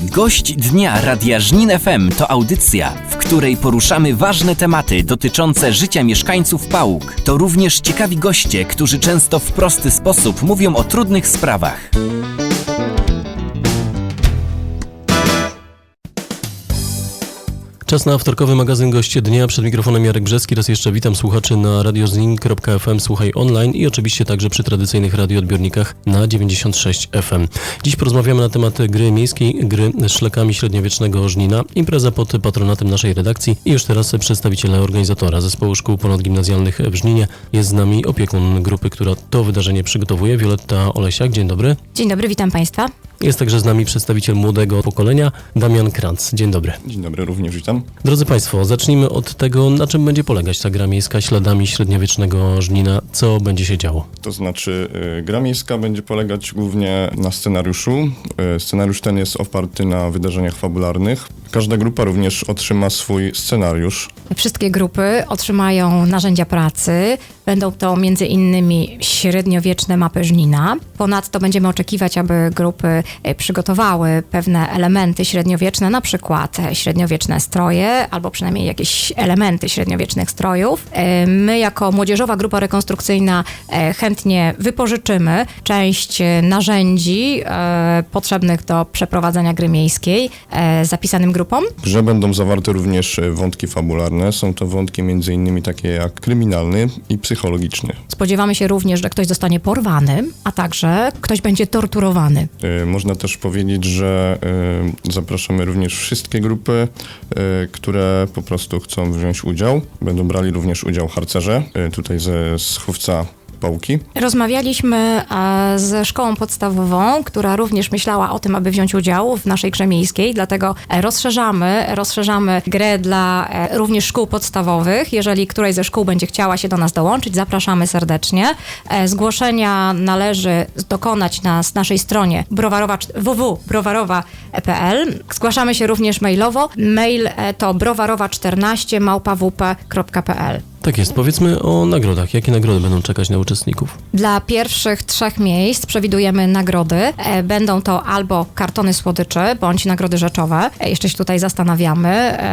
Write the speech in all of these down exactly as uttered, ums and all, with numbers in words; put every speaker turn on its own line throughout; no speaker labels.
Gość Dnia Radia Żnin F M to audycja, w której poruszamy ważne tematy dotyczące życia mieszkańców Pałuk. To również ciekawi goście, którzy często w prosty sposób mówią o trudnych sprawach.
Czas na wtorkowy magazyn Goście Dnia. Przed mikrofonem Jarek Brzeski. Raz jeszcze witam słuchaczy na radio żnin kropka f m, słuchaj online i oczywiście także przy tradycyjnych radioodbiornikach na dziewięćdziesiąt sześć F M. Dziś porozmawiamy na temat gry miejskiej, gry szlakami średniowiecznego Żnina. Impreza pod patronatem naszej redakcji i już teraz przedstawiciele organizatora Zespołu Szkół Ponadgimnazjalnych w Żninie. Jest z nami opiekun grupy, która to wydarzenie przygotowuje, Wioletta Olesiak. Dzień dobry.
Dzień dobry, witam Państwa.
Jest także z nami przedstawiciel młodego pokolenia, Damian Kranz. Dzień dobry.
Dzień dobry, również witam.
Drodzy Państwo, zacznijmy od tego, na czym będzie polegać ta gra miejska śladami średniowiecznego Żnina. Co będzie się działo?
To znaczy, y, gra miejska będzie polegać głównie na scenariuszu. Y, scenariusz ten jest oparty na wydarzeniach fabularnych. Każda grupa również otrzyma swój scenariusz.
Wszystkie grupy otrzymają narzędzia pracy. Będą to między innymi średniowieczne mapy Żnina. Ponadto będziemy oczekiwać, aby grupy przygotowały pewne elementy średniowieczne, na przykład średniowieczne stroje, albo przynajmniej jakieś elementy średniowiecznych strojów. My jako młodzieżowa grupa rekonstrukcyjna chętnie wypożyczymy część narzędzi potrzebnych do przeprowadzenia gry miejskiej zapisanym grupom.
W grze będą zawarte również wątki fabularne. Są to wątki między innymi takie jak kryminalny i psychologiczny.
Spodziewamy się również, że ktoś zostanie porwany, a także ktoś będzie torturowany.
Y, można też powiedzieć, że y, zapraszamy również wszystkie grupy, y, które po prostu chcą wziąć udział. Będą brali również udział harcerze, y, tutaj ze Schówca Pałki.
Rozmawialiśmy e, ze szkołą podstawową, która również myślała o tym, aby wziąć udział w naszej grze miejskiej, dlatego e, rozszerzamy, rozszerzamy grę dla e, również szkół podstawowych. Jeżeli któraś ze szkół będzie chciała się do nas dołączyć, zapraszamy serdecznie. E, zgłoszenia należy dokonać na naszej stronie browarowa, w w w kropka browarowa kropka p l. Zgłaszamy się również mailowo. Mail e, to browarowa czternaście małpa w p kropka p l.
Tak jest. Powiedzmy o nagrodach. Jakie nagrody będą czekać na uczestników?
Dla pierwszych trzech miejsc przewidujemy nagrody. E, Będą to albo kartony słodyczy, bądź nagrody rzeczowe. E, Jeszcze się tutaj zastanawiamy,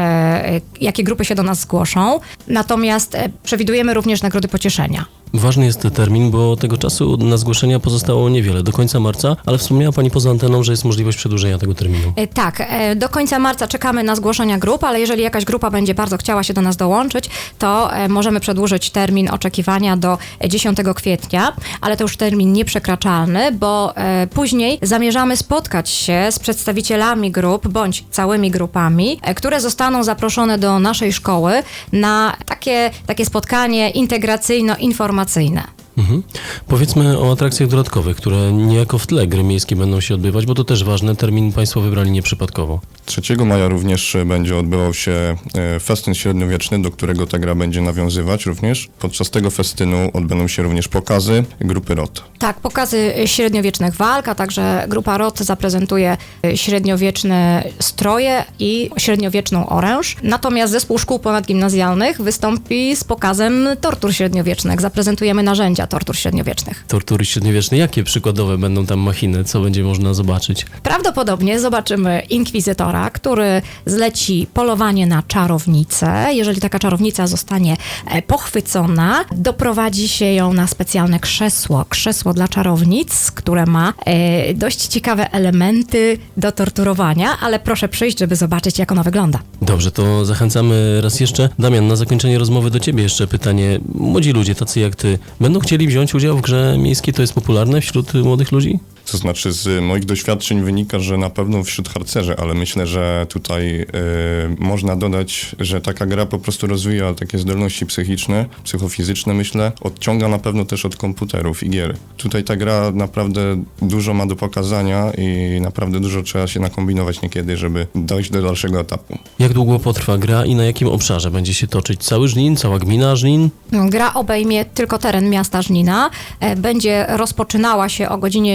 e, jakie grupy się do nas zgłoszą. Natomiast e, przewidujemy również nagrody pocieszenia.
Ważny jest termin, bo tego czasu na zgłoszenia pozostało niewiele, do końca marca, ale wspomniała Pani poza anteną, że jest możliwość przedłużenia tego terminu.
E, Tak, e, do końca marca czekamy na zgłoszenia grup, ale jeżeli jakaś grupa będzie bardzo chciała się do nas dołączyć, to e, możemy przedłużyć termin oczekiwania do dziesiątego kwietnia, ale to już termin nieprzekraczalny, bo e, później zamierzamy spotkać się z przedstawicielami grup, bądź całymi grupami, e, które zostaną zaproszone do naszej szkoły na takie, takie spotkanie integracyjno-informacyjne.
Mhm. Powiedzmy o atrakcjach dodatkowych, które niejako w tle gry miejskiej będą się odbywać, bo to też ważne, termin Państwo wybrali nieprzypadkowo.
trzeciego maja również będzie odbywał się e, festyn średniowieczny, do którego ta gra będzie nawiązywać również. Podczas tego festynu odbędą się również pokazy grupy R O T.
Tak, pokazy średniowiecznych walk, a także grupa R O T zaprezentuje średniowieczne stroje i średniowieczną oręż. Natomiast zespół szkół ponadgimnazjalnych wystąpi z pokazem tortur średniowiecznych. Zaprezentujemy narzędzia tortur średniowiecznych.
Tortury średniowieczne, jakie przykładowe będą tam machiny, co będzie można zobaczyć?
Prawdopodobnie zobaczymy inkwizytora, który zleci polowanie na czarownicę. Jeżeli taka czarownica zostanie e, pochwycona, doprowadzi się ją na specjalne krzesło. Krzesło dla czarownic, które ma e, dość ciekawe elementy do torturowania, ale proszę przyjść, żeby zobaczyć, jak ono wygląda.
Dobrze, to zachęcamy raz jeszcze. Damian, na zakończenie rozmowy do Ciebie jeszcze pytanie. Młodzi ludzie, tacy jak Ty, będą chcieli wziąć udział w grze miejskiej? To jest popularne wśród młodych ludzi?
To znaczy z moich doświadczeń wynika, że na pewno wśród harcerzy, ale myślę, że tutaj y, można dodać, że taka gra po prostu rozwija takie zdolności psychiczne, psychofizyczne, myślę, odciąga na pewno też od komputerów i gier. Tutaj ta gra naprawdę dużo ma do pokazania i naprawdę dużo trzeba się nakombinować niekiedy, żeby dojść do dalszego etapu.
Jak długo potrwa gra i na jakim obszarze będzie się toczyć? Cały Żnin, cała gmina Żnin?
Gra obejmie tylko teren miasta Żnina. E, Będzie rozpoczynała się o godzinie dziesiątej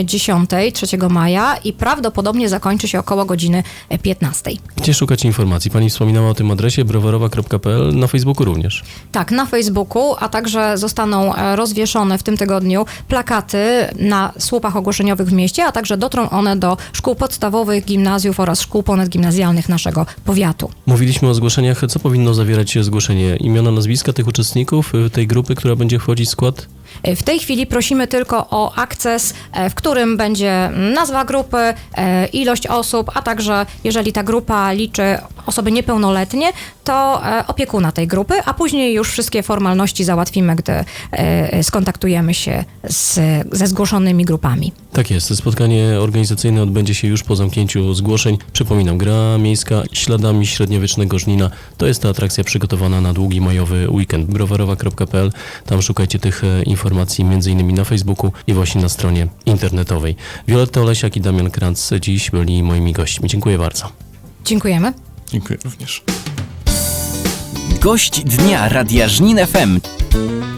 dziesiątej, trzeciego maja i prawdopodobnie zakończy się około godziny piętnastej.
Gdzie szukać informacji? Pani wspominała o tym adresie browarowa kropka p l, na Facebooku również.
Tak, na Facebooku, a także zostaną e, rozwieszone w tym tygodniu plakaty na słupach ogłoszeniowych w mieście, a także dotrą one do szkół podstawowych, gimnazjów oraz szkół ponadgimnazjalnych naszego powiatu.
Mówiliśmy o zgłoszeniach. Co powinno zawierać zgłoszenie? Imiona, nazwiska tych uczestników y, tej grupy, która będzie wchodzić w skład?
W tej chwili prosimy tylko o akces, e, w którym będzie nazwa grupy, e, ilość osób, a także jeżeli ta grupa liczy osoby niepełnoletnie, to e, opiekuna tej grupy, a później już wszystkie formalności załatwimy, gdy e, skontaktujemy się z, ze zgłoszonymi grupami.
Tak jest. Spotkanie organizacyjne odbędzie się już po zamknięciu zgłoszeń. Przypominam, gra miejska śladami średniowiecznego Żnina. To jest ta atrakcja przygotowana na długi majowy weekend. browarowa kropka p l. Tam szukajcie tych e, informacji między innymi na Facebooku i właśnie na stronie internetowej. Wioletta Olesiak i Damian Kranz dziś byli moimi gośćmi. Dziękuję bardzo.
Dziękujemy.
Dziękuję również.
Gość dnia Radia Żnin F M.